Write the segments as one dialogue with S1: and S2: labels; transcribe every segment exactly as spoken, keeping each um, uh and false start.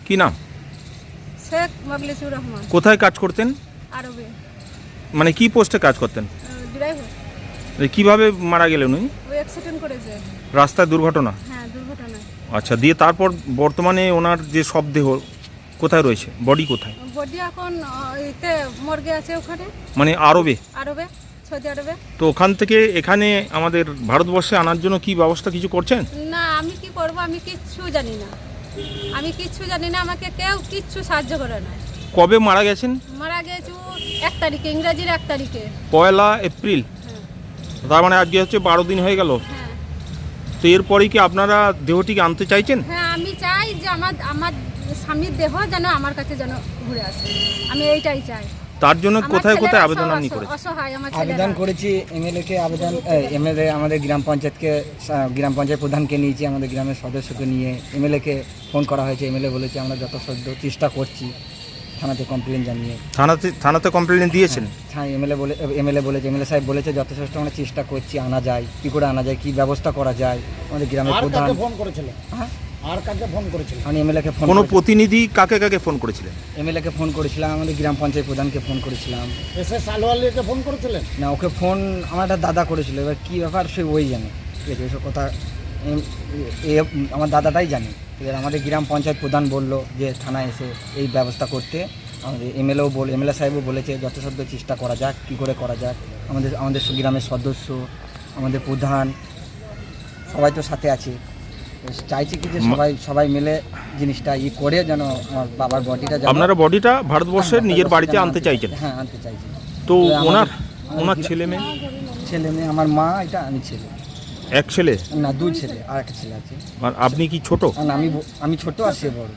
S1: কি নাম?
S2: শেখ মগলেচুর রহমান।
S1: কোথায় কাজ করতেন?
S2: আরবে।
S1: মানে কি পোস্টে কাজ করতেন?
S2: ড্রাইভার।
S1: কিভাবে মারা গেলেন উনি?
S2: ওই অ্যাক্সিডেন্ট করেছে।
S1: রাস্তায় দুর্ঘটনা?
S2: হ্যাঁ, দুর্ঘটনায়।
S1: আচ্ছা, দিয়ে তারপর বর্তমানে ওনার যে শবদেহ কোথায় রয়েছে? বডি কোথায়?
S2: বডি এখন এতে মর্গে আছে ওখানে।
S1: মানে আরবে?
S2: আরবে, সৌদি আরবে।
S1: তো ওখান থেকে এখানে আমাদের ভারতবর্ষে আনার জন্য কি ব্যবস্থা কিছু করছেন?
S2: না, আমি কি করব, আমি কিচ্ছু জানি না। আমি কিচ্ছু জানি না, আমাকে কেউ কিচ্ছু সাহায্য করে না।
S1: কবে মারা গেছেন?
S2: মারা গেছে এক তারিখে, ইংরেজির এক তারিখে।
S1: পয়লা এপ্রিল।
S2: হ্যাঁ।
S1: তার মানে আজকে হচ্ছে বারো দিন হয়ে গেল।
S2: হ্যাঁ।
S1: তো এরপরে কি আপনারা দেহটিকে আনতে চাইছেন?
S2: হ্যাঁ, আমি চাই যে আমার আমার স্বামীর দেহ যেন আমার কাছে যেন ঘুরে আসে, আমি এইটাই চাই।
S1: তার জন্য কোথায় কোথায় আবেদন আপনি করেছেন?
S2: অসহায় আমার
S3: আবেদন করেছি এমএলএ কে, আবেদন এমএলএ আমাদের গ্রাম পঞ্চায়েতকে, গ্রাম পঞ্চায়েত প্রধানকে নিয়েছি, আমাদের গ্রামের সদস্যকে নিয়ে এমএলএ কে ফোন করা হয়েছে। এমএলএ বলেছে আমরা যথাসাধ্য চেষ্টা করছি, থানাতে কমপ্লেন জানিয়ে।
S1: থানাতে থানাতে কমপ্লেন দিয়েছেন?
S3: হ্যাঁ, এমএলএ বলে এমএলএ বলেছে, এমএলএ সাহেব বলেছে যথেষ্ট আমরা চেষ্টা করছি, আনা যায় কী করে আনা যায়, কী ব্যবস্থা করা যায়। আমাদের গ্রামের প্রধান
S4: ফোন করেছিলেন? হ্যাঁ, আর কাকে ফোন করেছিলেন?
S3: আমি এমএলএ ফোন,
S1: কোনো প্রতিনিধি কাকে কাকে ফোন করেছিলেন?
S3: এমএলএ কে ফোন করেছিলাম, আমাদের গ্রাম পঞ্চায়েত প্রধানকে ফোন করেছিলাম।
S4: এস এস আলওয়ালিয়াকে ফোন করেছিলেন?
S3: না, ওকে ফোন আমার একটা দাদা করেছিল, এবার কী ব্যাপার সে ওই জানে। ঠিক আছে, ওইসব কথা এম- এ আমার দাদাটাই জানে। এবার আমাদের গ্রাম পঞ্চায়েত প্রধান বলল যে থানায় এসে এই ব্যবস্থা করতে। আমাদের এমএলএও বল এমএলএ সাহেবও বলেছে যথাসাধ্য চেষ্টা করা যাক, কী করে করা যাক। আমাদের আমাদের গ্রামের সদস্য, আমাদের প্রধান সবাই তো সাথে আছে। চাইছি কি যে সবাই সবাই মিলে জিনিসটা ই করে যেন আমার বাবার বডিটা,
S1: আপনারা বডিটা ভারতবর্ষের নিজের বাড়িতে আনতে চাইছেন?
S3: হ্যাঁ, আনতে চাইছি।
S1: তো
S3: আমাদের-
S1: ওনার ওনার ছেলে মেয়ে?
S3: ছেলে মেয়ে, আমার মা, এটা আমি ছেলে।
S1: এক ছেলে?
S3: না, দুই ছেলে, আর একটা ছেলে আছে।
S1: আর আপনি কি ছোট?
S3: না, আমি ব- আমি ছোট আর সে বড়।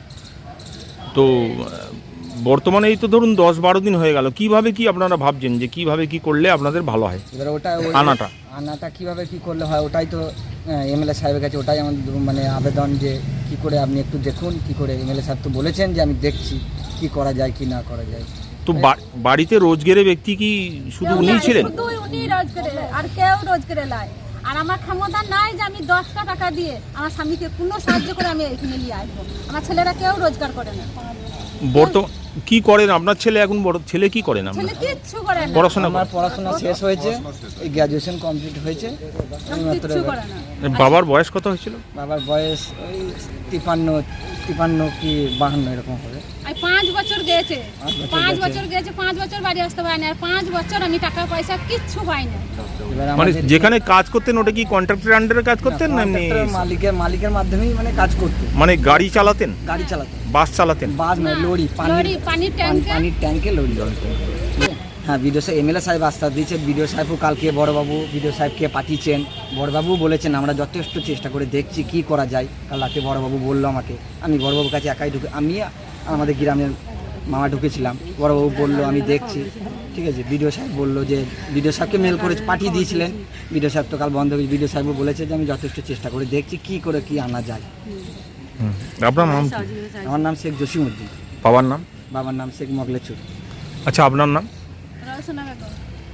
S1: তো আহ, বর্তমানে এই তো ধরুন দশ বারো দিন হয়ে গেল, কিভাবে কি আপনারা ভাবছেন যে কিভাবে কি করলে আপনাদের ভালো হয়?
S3: এবার ওটা ওই-
S1: আনাটা
S3: আনাটা কীভাবে কী করলে হয় ওটাই তো এমএলএ সাহেবের কাছে, ওটাই আমার মানে আবেদন যে কি করে আপনি একটু দেখুন কি করে। এমএলএ সাহেব তো বলেছেন যে আমি দেখছি কি করা যায় কি না করা যায়।
S1: তো বা- বাড়িতে রোজগেরে ব্যক্তি কি শুধু
S2: কেউ
S1: উনিই
S2: নাই,
S1: ছিলেন?
S2: শুধু উনি রোজ করে, আর কেউ রোজ করে লাই। আর আমার ক্ষমতা নাই যে আমি দশটা টাকা দিয়ে আমার স্বামীকে কোনো সাহায্য করে আমি এখানে নিয়ে আসবো। আমার ছেলেরা কেউ রোজগার করে না।
S1: বর্তমান কি করেন আপনার ছেলে? এখন বড় ছেলে কি করেন আপনার?
S2: ছেলে কিচ্ছু করে না,
S1: পড়াশোনা
S3: আমার
S1: করে?
S3: পড়াশোনা শেষ হয়েছে, এই গ্র্যাজুয়েশন কমপ্লিট হয়েছে। আমি মাত্র
S2: কিচ্ছু করে না।
S1: বাবার বয়স কত হয়েছিল?
S3: বাবার বয়স ওই তিপান্ন তিপান্ন কি বাহান্ন এরকম হবে।
S2: আর পাঁচ বছর গেছে,
S3: পাঁচ বছর
S2: পাঁচ
S3: গেছে।
S2: বছর গেছে, পাঁচ বছর বাড়ি আসতে পারি না। আর পাঁচ বছর আমি টাকা পয়সা কিচ্ছু পাই না।
S3: এবার
S1: মানে
S3: আমাদের-
S1: যেখানে কাজ করতেন ওটা কি কন্ট্রাক্টরের আন্ডারে কাজ করতেন না এমনি?
S3: কন্ট্রাক্টর মালিকের মালিকের মাধ্যমেই মানে কাজ করতে,
S1: মানে গাড়ি চালাতেন?
S3: গাড়ি চালাতে,
S1: বাস চালাতেন?
S3: বাস নয়, লরি, পানির
S2: লরি, পানির
S3: পানি-
S2: ট্যাঙ্কে।
S3: পানির ট্যাঙ্কে লরি। হ্যাঁ, বিডিও সাহেব এমএলএ সাহেব আস্থা দিয়েছে, বিডিও সাহেবও কালকে বড়বাবু বিডিও সাহেবকে পাঠিয়েছেন। বড়বাবু বলেছেন আমরা যথেষ্ট চেষ্টা করে দেখছি কি করা যায়। কাল রাতে বড়বাবু বললো আমাকে, আমি বড়বাবুর কাছে একাই ঢুকে, আমি আমাদের গ্রামের মামা ঢুকেছিলাম। বড়বাবু বললো আমি দেখছি। ঠিক আছে, বিডিও সাহেব বললো যে বিডিও সাহেবকে মেল করে পাঠিয়ে দিয়েছিলেন। বিডিও সাহেব তো কাল বন্ধ হয়েছে। বিডিও সাহেবও বলেছে যে আমি যথেষ্ট চেষ্টা করে দেখছি কি করে কি আনা যায়।
S1: হুম। আপনার নাম কি?
S3: আমার নাম শেখ জসিমউদ্দিন,
S1: বাবার নাম?
S3: বাবার নাম শেখ মগলেচুর।
S1: আচ্ছা, আপনার নাম?
S2: রওশনা বেগম।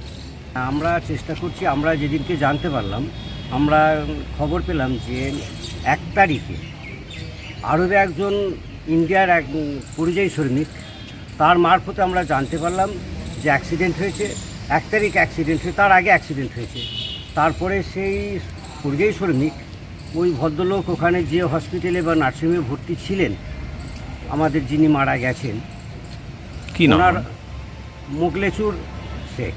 S5: আমরা চেষ্টা করছি, আমরা যেদিনকে জানতে পারলাম, আমরা খবর পেলাম যে এক তারিখে আরবে একজন ইন্ডিয়ার এক পরিযায়ী শ্রমিক, তার মারফতে আমরা জানতে পারলাম যে অ্যাক্সিডেন্ট হয়েছে। এক তারিখ অ্যাক্সিডেন্ট হয়েছে, তার আগে অ্যাক্সিডেন্ট হয়েছে। তারপরে সেই পরিযায়ী শ্রমিক ওই ভদ্রলোক ওখানে যে হসপিটালে বা নার্সিংহোমে ভর্তি ছিলেন, আমাদের যিনি মারা গেছেন
S1: কি নাম?
S5: ওনার মোগলেচুর শেখ,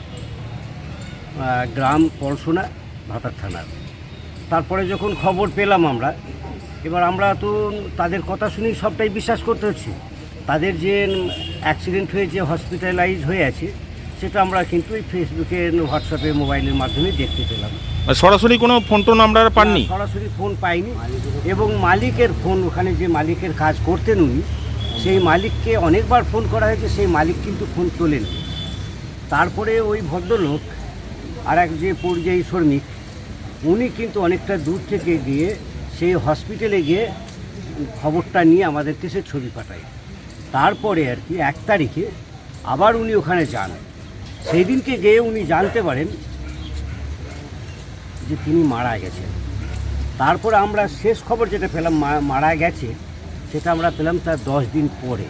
S5: গ্রাম পলসোনা, ভাতার থানার। তারপরে যখন খবর পেলাম আমরা, এবার আমরা তো তাদের কথা শুনেই সবটাই বিশ্বাস করতে হচ্ছে। তাদের যে অ্যাক্সিডেন্ট হয়েছে, হসপিটালাইজ হয়ে আছে, সেটা আমরা কিন্তু এই ফেসবুকে, হোয়াটসঅ্যাপে, মোবাইলের মাধ্যমে দেখতে পেলাম।
S1: আর সরাসরি কোনো ফোন টোন আপনারা পাননি?
S5: না, সরাসরি ফোন পাইনি। এবং মালিকের ফোন, ওখানে যে মালিকের কাজ করতেন উনি, সেই মালিককে অনেকবার ফোন করা হয়েছে, সেই মালিক কিন্তু ফোন তোলেন। তারপরে ওই ভদ্রলোক আর এক যে পরিযায়ী শ্রমিক, উনি কিন্তু অনেকটা দূর থেকে গিয়ে সেই হসপিটালে গিয়ে খবরটা নিয়ে আমাদেরকে সে ছবি পাঠায়। তারপরে আর কি এক তারিখে আবার উনি ওখানে যান। সেই দিনকে গিয়ে উনি জানতে পারেন যে তিনি মারা গেছেন। তারপর আমরা শেষ খবর যেটা পেলাম মারা গেছে, সেটা আমরা পেলাম তার দশ দিন পরে,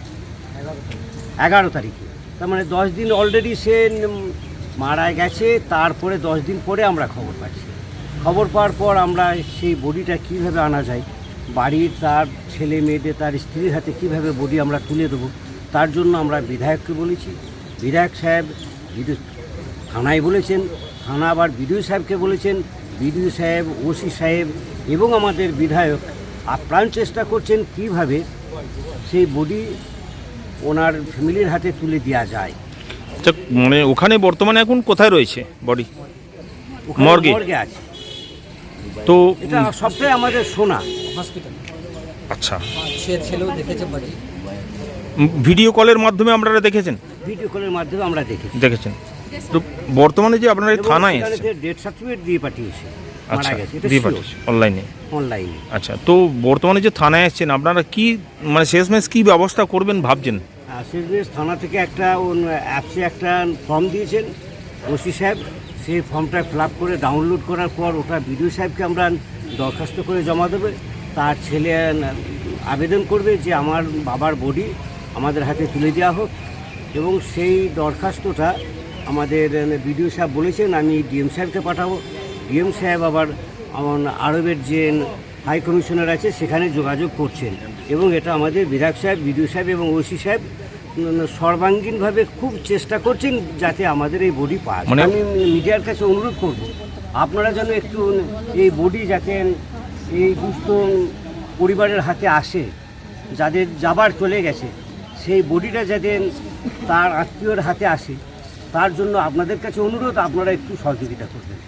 S5: এগারো তারিখে। তার মানে দশ দিন অলরেডি সে উম, মারা গেছে, তারপরে দশ দিন পরে আমরা খবর পাচ্ছি। খবর পাওয়ার পর আমরা সেই বডিটা কীভাবে আনা যায়, বাড়ির তার ছেলে মেয়েদের তার স্ত্রীর হাতে কীভাবে বডি আমরা তুলে দেবো, তার জন্য আমরা বিধায়ককে বলেছি। বিধায়ক সাহেব বিদ্যুৎ থানায় বলেছেন, থানা আবার বিডিও সাহেবকে বলেছেন, বিডিও সাহেব, ওসি সাহেব এবং আমাদের বিধায়ক আপ্রাণ চেষ্টা করছেন কিভাবে সেই বডি ওনার ফ্যামিলির হাতে তুলে দেওয়া যায়।
S1: আচ্ছা, মানে ওখানে বর্তমানে এখন কোথায় রয়েছে বডি?
S5: ওখানে
S1: মর্গে?
S5: মর্গে আছে।
S1: তো
S5: এটা সবটাই আমাদের শোনা।
S3: হসপিটাল
S1: আচ্ছা,
S3: সে ছেলেও দেখেছে বাড়ি।
S1: উম, ভিডিও কলের মাধ্যমে আপনারা দেখেছেন?
S5: ভিডিও কলের মাধ্যমে আমরা দেখেছি।
S1: দেখেছেন। তো বর্তমানে যে আপনারা এই থানায় এসেছেন,
S5: ডেথ সার্টিফিকেট দিয়ে পাঠিয়েছে,
S1: আচ্ছা,
S5: মারা গেছে, এটা
S1: দিয়ে
S5: sure,
S1: পাঠিয়েছে অনলাইনে।
S5: অনলাইনে।
S1: আচ্ছা, তো বর্তমানে যে থানায় এসেছেন আপনারা কি মানে শেষমেশ কি ব্যবস্থা করবেন ভাবছেন?
S5: আর শেষমেশ থানা থেকে একটা অ্যাপসে একটা ফর্ম দিয়েছেন ওসি সাহেব, সেই ফর্মটা ফিল আপ করে ডাউনলোড করার পর ওটা বিডিও সাহেবকে আমরা দরখাস্ত করে জমা দেবে। তার ছেলে আবেদন করবে যে আমার বাবার বডি আমাদের হাতে তুলে দেওয়া হোক, এবং সেই দরখাস্তটা আমাদের বিডিও সাহেব বলেছেন আমি ডিএম সাহেবকে পাঠাবো। ডিএম সাহেব আবার আমার আরবের যে হাই কমিশনার আছে সেখানে যোগাযোগ করছেন, এবং এটা আমাদের বিধায়ক সাহেব, বিডিও সাহেব এবং ওসি সাহেব উম, সর্বাঙ্গীনভাবে খুব চেষ্টা করছেন যাতে আমাদের এই বডি পাওয়া যায়।
S1: মানে-
S5: আমি মিডিয়ার কাছে অনুরোধ করব আপনারা যেন একটু এই বডি যাতে এই দুস্থ পরিবারের হাতে আসে, যাদের যাবার চলে গেছে সেই বডিটা যাতে তার আত্মীয়র হাতে আসে, তার জন্য আপনাদের কাছে অনুরোধ আপনারা একটু সহযোগিতা করবেন।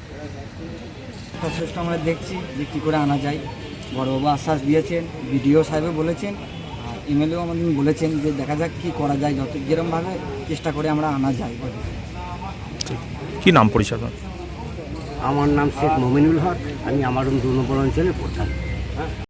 S3: যথেষ্ট আমরা দেখছি যে কী করে আনা যায়। বড়বাবু আশ্বাস দিয়েছেন, বিডিও সাহেবও বলেছেন, আর এমএলএও আমাদের বলেছেন যে দেখা যাক কী করা যায়, যত যেরমভাবে চেষ্টা করে আমরা আনা যায়।
S1: কি নাম পরিচয় আপনার?
S5: আমার নাম শেখ মমিনুল হক, আমি আমার দু নম্বর অঞ্চলের প্রধান।